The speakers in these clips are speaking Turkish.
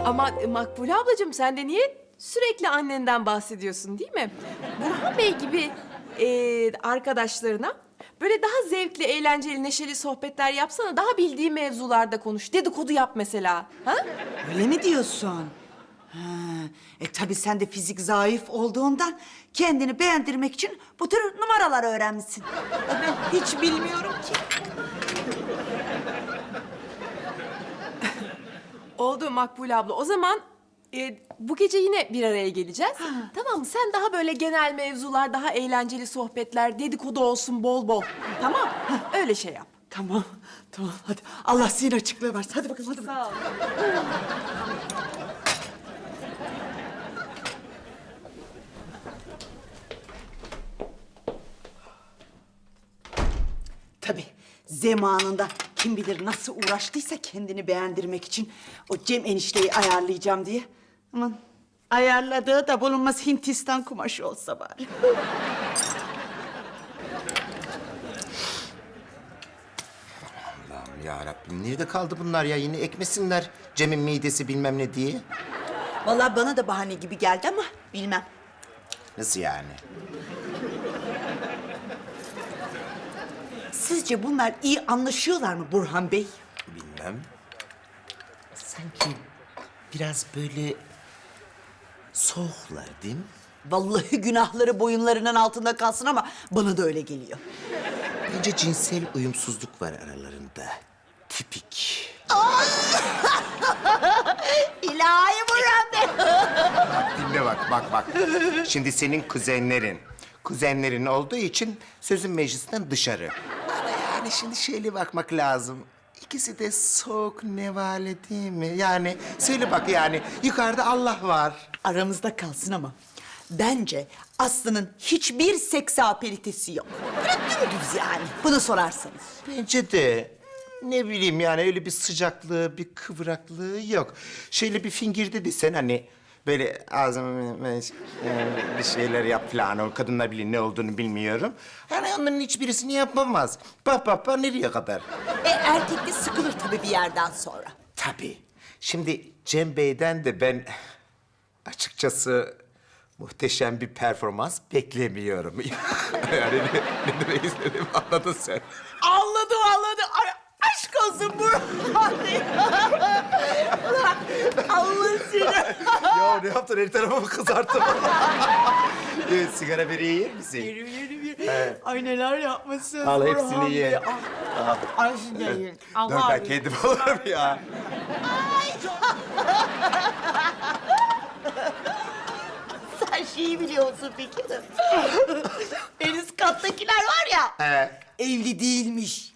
Ama Makbule ablacığım sen de niye sürekli annenden bahsediyorsun değil mi? Burhan Bey gibi arkadaşlarına böyle daha zevkli, eğlenceli, neşeli sohbetler yapsana. Daha bildiği mevzularda konuş. Dedikodu yap mesela. Ha? Öyle mi diyorsun? Ha, tabii sen de fizik zayıf olduğundan kendini beğendirmek için bu tür numaralar öğrenmişsin. Ben hiç bilmiyorum ki. Oldu Makbule abla. O zaman bu gece yine bir araya geleceğiz. Tamam mı? Sen daha böyle genel mevzular, daha eğlenceli sohbetler, dedikodu olsun bol bol. Tamam. Öyle şey yap. Tamam, tamam. Hadi Allah zihin açıklığı versin. Hadi bakalım, hadi bakalım. Sağ ol. Tabii zamanında kim bilir nasıl uğraştıysa kendini beğendirmek için o Cem enişteyi ayarlayacağım diye. Aman ayarladığı da bulunmaz Hindistan kumaşı olsa bari. Allah'ım ya Rabbim nerede kaldı bunlar ya? Yine ekmesinler Cem'in midesi bilmem ne diye. Vallahi bana da bahane gibi geldi ama bilmem. Nasıl yani? Sizce bunlar iyi anlaşıyorlar mı Burhan Bey? Bilmem. Sanki biraz böyle soğuklar değil mi? Vallahi günahları boyunlarının altında kalsın ama bana da öyle geliyor. Bence cinsel uyumsuzluk var aralarında. Tipik. İlahi Burhan Bey! Dinle bak. Şimdi senin kuzenlerin olduğu için sözün meclisten dışarı. Ama yani şimdi şöyle bakmak lazım. İkisi de soğuk nevale değil mi? Yani söyle bak yani yukarıda Allah var. Aramızda kalsın ama bence Aslı'nın hiçbir seksapelitesi yok. Böyle dümdüz yani. Bunu sorarsanız. Bence de ne bileyim yani öyle bir sıcaklığı, bir kıvraklığı yok. Şöyle bir fingirde desen hani böyle ağzıma bir şeyler yap falan. O kadınlar bilir ne olduğunu bilmiyorum. Yani onların hiçbirisini yapamaz. Bak nereye kadar? Erkek de sıkılır tabii bir yerden sonra. Tabii. Şimdi Cem Bey'den de ben açıkçası muhteşem bir performans beklemiyorum. Yani ne demek istediğimi anladın sen. Anladım. Ay, aşk olsun Burhan Bey. Ulan Allah seni. Ya ne yaptın? Her tarafımı kızarttın. Sigara böreği yer misin? Yürü. Ay neler yapmışsın Al Burhan hepsini Bey. ye. Ay şimdi yiyin. Dur Allah ben kendim olurum ya. Sen şeyi biliyor musun peki? En üst kattakiler var ya. Evli değilmiş.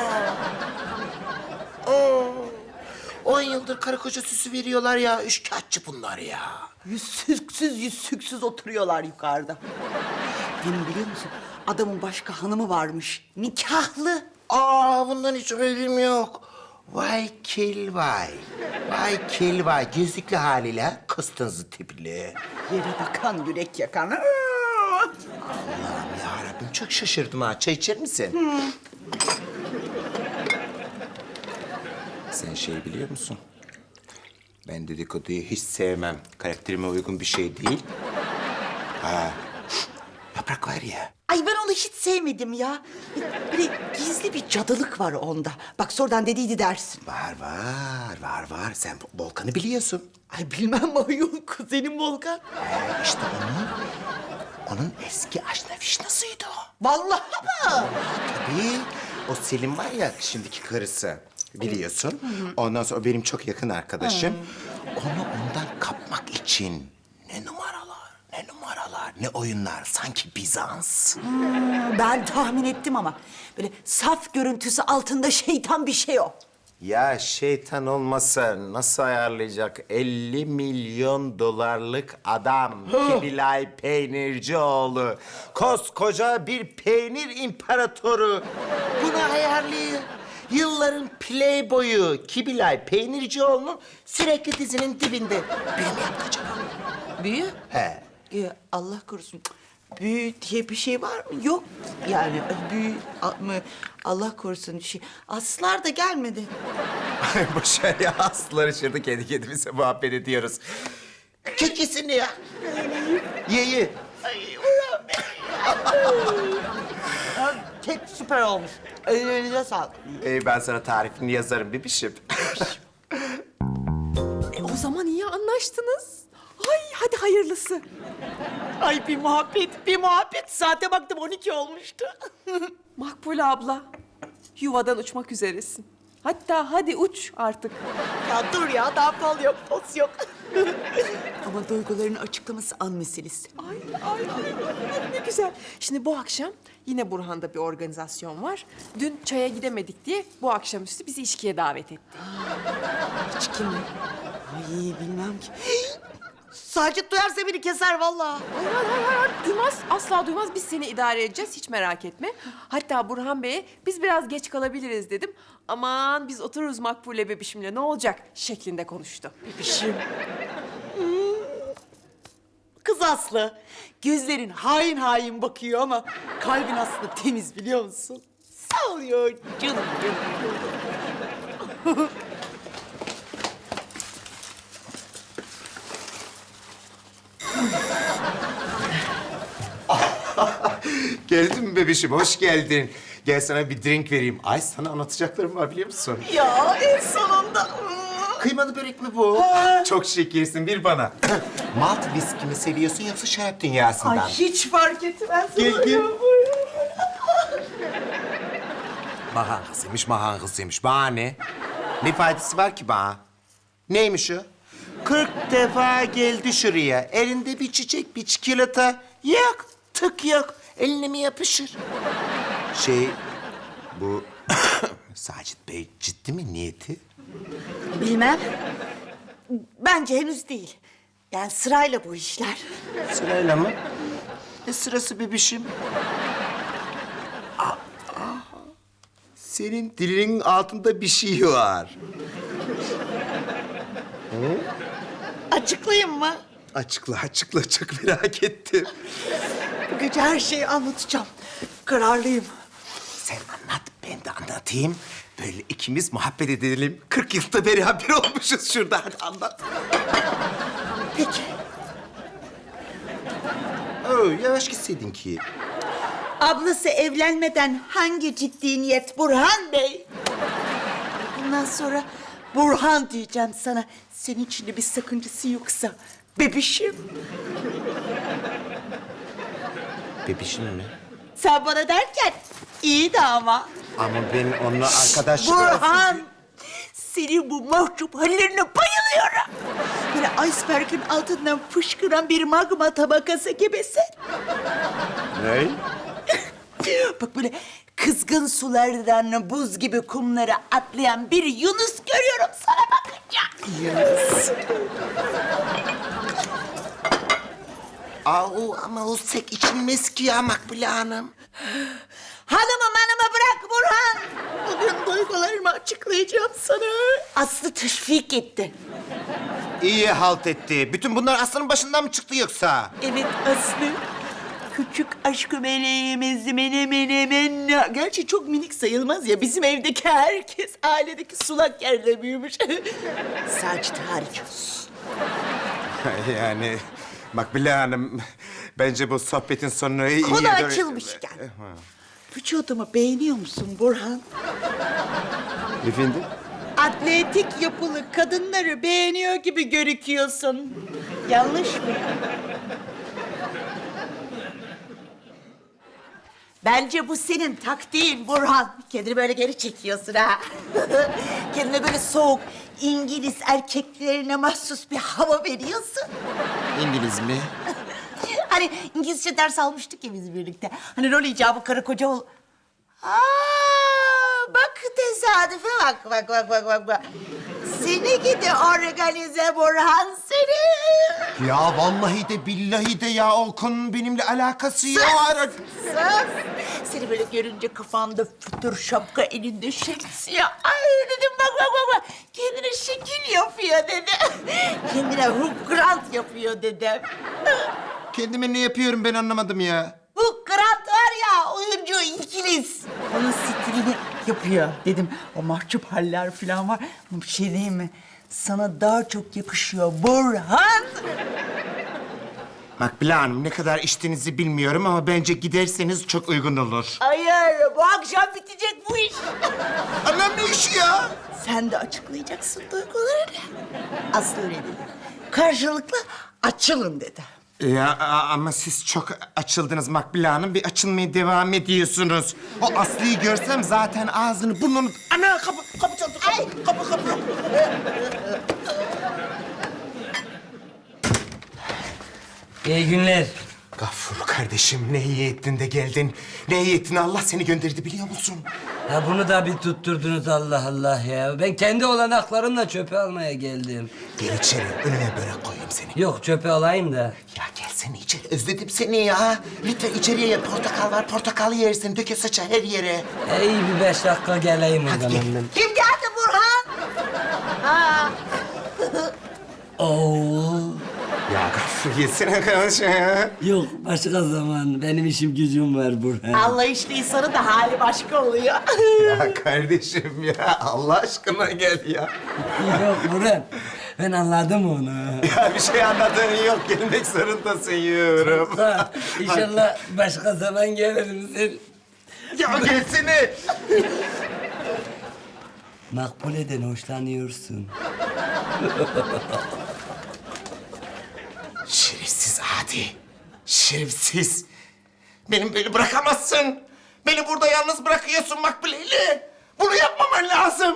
10 yıldır karı koca süsü veriyorlar ya. Üçkağıtçı bunlar ya. Yüzsüksüz oturuyorlar yukarıda. Benim biliyor musun? Adamın başka hanımı varmış. Nikahlı. Bundan hiç haberim yok. Vay kel vay. Vay kel vay. Gözlüklü haliyle kıstınızı tipli. Yere bakan yürek yakan. Allah'ım yarabbim çok şaşırdım ha. Çay içer misin? Sen şey biliyor musun? Ben dedikoduyu hiç sevmem. Karakterime uygun bir şey değil. Yaprak var ya. Ay ben onu hiç sevmedim ya. Böyle gizli bir cadılık var onda. Bak sonradan dediydi dersin. Var. Sen Volkan'ı biliyorsun. Ay bilmem mi ayol kuzenim Volkan. İşte onun eski aşna vişnasıydı o. Vallahi mı? Tabii. O Selim var ya şimdiki karısı. Biliyorsun. Ondan sonra o benim çok yakın arkadaşım. Onu ondan kapmak için ne oyunlar. Sanki Bizans. Ben tahmin ettim ama böyle saf görüntüsü altında şeytan bir şey o. Ya şeytan olmasa nasıl ayarlayacak 50 milyon dolarlık adam Kibilay Peynircioğlu. Koskoca bir peynir imparatoru. Bunu ayarlıyor. Yılların playboyu Kibilay Peynircioğlu'nun sürekli dizinin dibinde. Büyü mü yaptı acaba? Büyü? He. Allah korusun. büyü diye bir şey var mı? Yok yani büyü mı? Allah korusun şey. Aslar da gelmedi. Boş ver ya, aslılar içeride kendi kendimize muhabbet ediyoruz. Kek yesene ya. Ye ye. Kek süper olmuş. Ellerinize sağlık. Ben sana tarifini yazarım bebişim. O zaman iyi anlaştınız. Ay hadi hayırlısı. Ay bir muhabbet. Saate baktım 12 olmuştu. Makbule abla, yuvadan uçmak üzeresin. Hatta hadi uç artık. Ya dur ya, daha fal yok, poz yok. Ama duygularını açıklaması an meselesi. Ay, ne güzel. Şimdi bu akşam yine Burhan'da bir organizasyon var. Dün çaya gidemedik diye bu akşamüstü bizi içkiye davet etti. İçki mi? Ay bilmem ki. Sacit duyarsa beni keser vallahi. Hayır, duymaz. Asla duymaz. Biz seni idare edeceğiz. Hiç merak etme. Hatta Burhan Bey'e biz biraz geç kalabiliriz dedim. Aman biz otururuz Makbule bebişimle ne olacak şeklinde konuştu. Bebişim. Kız Aslı, gözlerin hain hain bakıyor ama kalbin aslında temiz biliyor musun? Sağ ol ya canım. Geldin mi bebişim? Hoş geldin. Gel sana bir drink vereyim. Ay sana anlatacaklarım var biliyor musun? Ya en sonunda. Kıymalı börek mi bu? Çok şekersin, bir bana. Malt viski mi seviyorsun yoksa şarap dünyasından? Ay hiç fark etmez. Gel. Mahan kızıymış. Bana ne? Ne faydası var ki bana? Neymiş o? 40 defa geldi şuraya. Elinde bir çiçek, bir çikolata. Yok, tık yok. Eline mi yapışır? Bu... Sacit Bey ciddi mi niyeti? Bilmem. Bence henüz değil. Yani sırayla bu işler. Sırayla mı? Ne sırası bebişim? Senin dilinin altında bir şey var. Açıklayayım mı? Açıkla, çok merak ettim. Bu gece her şeyi anlatacağım. Kararlıyım. Sen anlat, ben de anlatayım. Böyle ikimiz muhabbet edelim. 40 yılda beraber olmuşuz şurada. Hadi anlat. Peki. Yavaş gitseydin ki. Ablası evlenmeden hangi ciddi niyet Burhan Bey? Bundan sonra Burhan diyeceğim sana. Senin için de bir sakıncası yoksa bebişim. Bebişim mi? Sen bana derken iyi de ama. Ama ben onunla arkadaş... Burhan! Senin bu mahcup hallerine bayılıyorum. Böyle iceberg'in altından fışkıran bir magma tabakası gibisin. Ne? Bak böyle kızgın sulardan buz gibi kumlara atlayan bir Yunus görüyorum sana bakınca. Yunus. Ama o sek içilmez ki ya Makbule Hanım. Hanımı bırak Burhan. Bugün duygularımı açıklayacağım sana. Aslı teşvik etti. İyi halt etti. Bütün bunlar Aslı'nın başından mı çıktı yoksa? Evet Aslı. Küçük aşkı meleğimiz menemen. Gerçi çok minik sayılmaz ya. Bizim evdeki herkes ailedeki sulak yerde büyümüş. Sacit hariç. Yani Makbule Hanım, bence bu sohbetin sonunu iyi... Konu açılmışken. Vücudumu beğeniyor musun Burhan? Efendim? Atletik yapılı kadınları beğeniyor gibi gözüküyorsun. Yanlış mı? Bence bu senin taktiğin Burhan. Kendini böyle geri çekiyorsun ha. Kendine böyle soğuk İngiliz erkeklerine mahsus bir hava veriyorsun. İngiliz mi? Hani İngilizce ders almıştık ya biz birlikte. Hani rol icabı karı koca ol... Bak tesadüfe bak. Seni gidi organize Burhan seni. Ya vallahi de billahi de ya o konunun benimle alakası yok. Sus. Seni böyle görünce kafanda fütür şapka elinde şemsiye. Ay dedim bak. Kendine şekil yapıyor dedi. Kendine Hugh Grant yapıyor dedim. Kendime ne yapıyorum ben anlamadım ya. Bu Grant var ya, oyuncu İngiliz. Onun stilini yapıyor dedim. O mahcup haller falan var. Bir şey diyeyim mi? Sana daha çok yakışıyor Burhan. Makbule Hanım ne kadar içtiğinizi bilmiyorum ama bence giderseniz çok uygun olur. Hayır, bu akşam bitecek bu iş. Anam ne işi ya? Sen de açıklayacaksın duygularını. Aslı öyle dedi. Karşılıklı açılın dedi. Ya ama siz çok açıldınız Makbule Hanım. Bir açılmaya devam ediyorsunuz. O Aslı'yı görsem zaten ağzını burnunu... Ana kapı çaldı. Kapı. İyi günler. Gafur kardeşim ne iyi ettin de geldin. Ne iyi ettin Allah seni gönderdi biliyor musun? Ya bunu da bir tutturdunuz Allah Allah ya. Ben kendi olanaklarımla çöpe almaya geldim. Gel içeri önüne börek koyayım seni. Yok çöpe alayım da. Ya gelsene içeri özledim seni ya. Lütfen içeriye portakal var portakal yersin. Döke saça her yere. İyi bir 5 dakika geleyim o Hadi zaman gel. ben. Kim geldi Burhan? Oo. Ya Gafur yesene kardeşim ya. Yok başka zaman. Benim işim gücüm var Burhan. Anlayışlı insanın da hali başka oluyor. Ya kardeşim ya Allah aşkına gel ya. Yok Burhan. Ben anladım onu. Ya bir şey anladığın yok. Gelmek zorundasın yiyorum. Ha, İnşallah başka zaman gelirim sen. Ya gelsene. Makbule'den hoşlanıyorsun. Şerefsiz adi. Şerefsiz. Beni böyle bırakamazsın. Beni burada yalnız bırakıyorsun Makbule'yle. Bunu yapmaman lazım.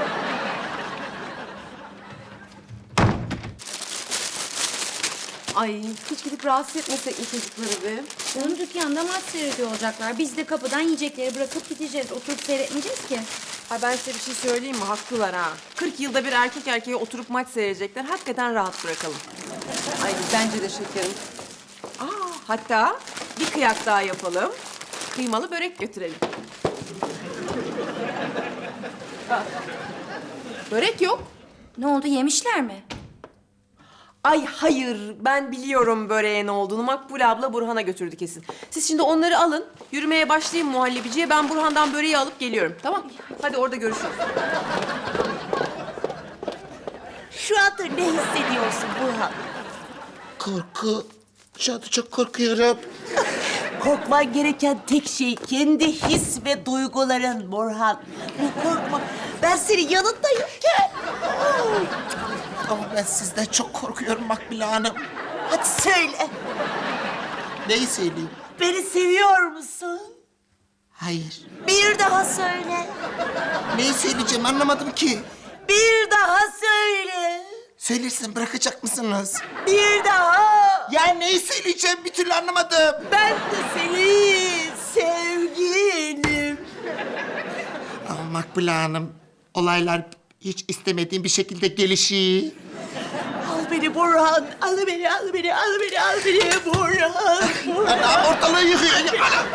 Ay hiç gidip rahatsız etmesek mi çocukları be? Onun dükkanda maç seyrediyor olacaklar. Biz de kapıdan yiyecekleri bırakıp gideceğiz. Oturup seyretmeyeceğiz ki. Ay ben size bir şey söyleyeyim mi? Haklılar ha. 40 yılda bir erkek erkeğe oturup maç seyredecekler. Hakikaten rahat bırakalım. Ay bence de şekerim. Hatta bir kıyak daha yapalım. Kıymalı börek götürelim. Börek yok. Ne oldu, yemişler mi? Ay hayır, ben biliyorum böreğe ne olduğunu. Makbule abla Burhan'a götürdü kesin. Siz şimdi onları alın, yürümeye başlayın muhallebiciye. Ben Burhan'dan böreği alıp geliyorum, tamam? Hadi orada görüşürüz. Şu anda ne hissediyorsun Burhan? Korku. Şu anda çok korkuyorum. Korkman gereken tek şey kendi his ve duyguların Burhan. Bu korkma. Ben senin yanındayım. Gel. Ama ben sizden çok korkuyorum Makbule Hanım. Hadi söyle. Neyi söyleyeyim? Beni seviyor musun? Hayır. Bir daha söyle. Neyi söyleyeceğim anlamadım ki. Bir daha söyle. Söylersen bırakacak mısınız? Bir daha. Ya neyi söyleyeceğim bir türlü anlamadım. Ben de senin sevgilim. Ama Makbule Hanım, olaylar hiç istemediğim bir şekilde gelişiyor. Al beni Burhan. Al beni, al beni, al beni, al beni Burhan. Anam ortalığı yıkıyor. Ya, anam.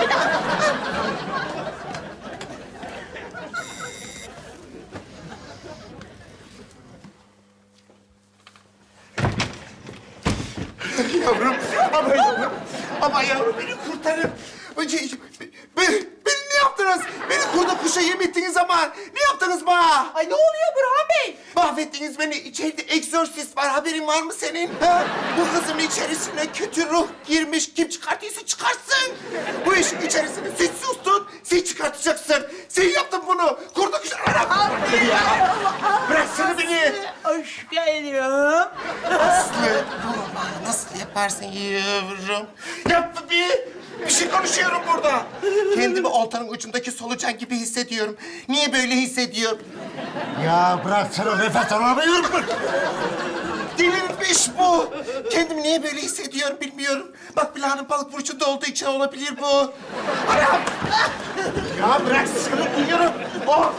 Yavrum, ama yavrum, ama yavrum beni kurtarın. Beni ne yaptınız? Beni kurda kuşa yem ettiğiniz zaman ne yaptınız bana? Ay ne oluyor Burhan Bey? Mahvettiniz beni. İçeride egzorsist var. Haberin var mı senin? Ha? Bu kızın içerisine kötü ruh girmiş. Kim çıkartıyorsa çıkarsın. Bu işin içerisine siz sustun. Sen çıkartacaksın. Sen yaptın bunu. Kurda kuşa... Anam! Ya! Bıraksana beni. Hoş geldin. Aslı. Baba nasıl yaparsın yavrum? Yapma bir. Bir şey konuşuyorum burada. Kendimi oltanın ucundaki solucan gibi hissediyorum. Niye böyle hissediyorum? Ya bıraksana nefes alamıyorum. Delirmiş bu. Kendimi niye böyle hissediyorum bilmiyorum. Bak Bila'nın balık burcunda olduğu için olabilir bu. Anam! Ya bıraksana diyorum. Oh!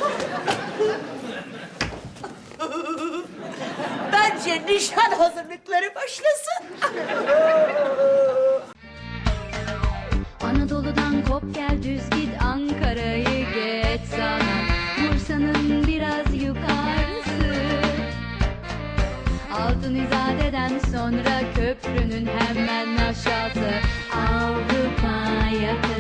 Bence nişan hazırlıkları başlasın. Anadolu'dan kop gel düz git Ankara'yı geç sana Bursa'nın biraz yukarısı Altın İzade'den Öğleden sonra köprünün hemen aşağısı Avrupa yakası